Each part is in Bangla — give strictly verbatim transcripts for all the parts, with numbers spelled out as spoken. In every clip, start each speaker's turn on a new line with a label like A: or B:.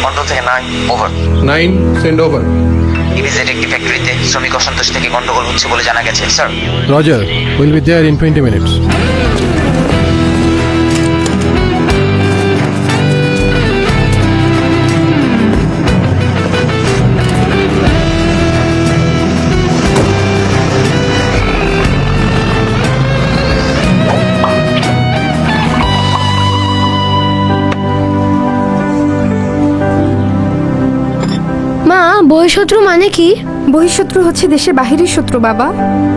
A: কন্ট্রোল থেকে nine over.
B: Nine send over.
A: Immediate একটি ফ্যাক্টরিতে শ্রমিক অসন্তোষ থেকে গন্ডগোল হচ্ছে বলে জানা গেছে sir.
B: Roger, will be there in twenty minutes.
C: মা, বহিঃশত্রু মানে কি?
D: বহিঃশত্রু হচ্ছে দেশের বাহিরের শত্রু বাবা।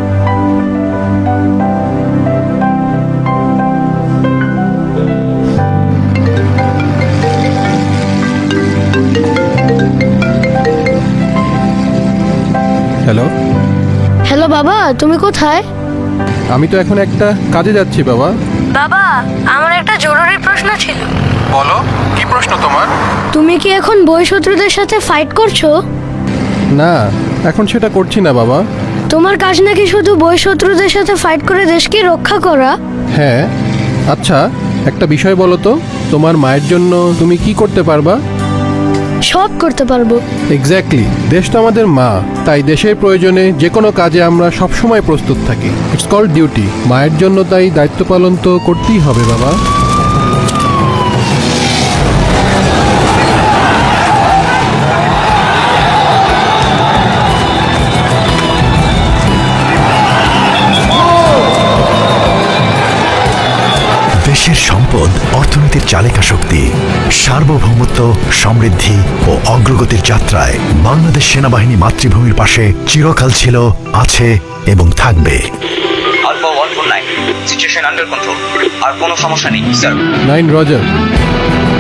B: হ্যালো,
C: হ্যালো বাবা, তুমি কোথায়?
B: আমি তো এখন একটা কাজে যাচ্ছি বাবা।
C: বাবা, আমার একটা জরুরি প্রশ্ন ছিল।
B: বলো, কি প্রশ্ন তোমার?
C: তুমি কি এখন বহিঃশত্রুদের সাথে ফাইট করছো?
B: না, এখন সেটা করছি না বাবা।
C: তোমার কাজ নাকি শুধু বহিঃশত্রুদের সাথে ফাইট করে দেশকে রক্ষা করা?
B: হ্যাঁ, আচ্ছা একটা বিষয় বলো তো, তোমার মায়ের জন্য তুমি কি করতে পারবা?
C: সব করতে পারবো।
B: এক্স্যাক্টলি, দেশ তো আমাদের মা, তাই দেশের প্রয়োজনে যে কোনো কাজে আমরা সবসময় প্রস্তুত থাকি। It's called duty. মায়ের জন্য তাই দায়িত্ব পালন তো করতেই হবে বাবা।
E: দেশের সম্পদ অর্থনীতির চালিকা শক্তি, সার্বভৌমত্ব, সমৃদ্ধি ও অগ্রগতির যাত্রায় বাংলাদেশ সেনাবাহিনী মাতৃভূমির পাশে চিরকাল ছিল, আছে এবং থাকবে।
A: Alpha one four nine, situation under control. আর কোনো সমস্যা নেই স্যার।
B: Nine Roger.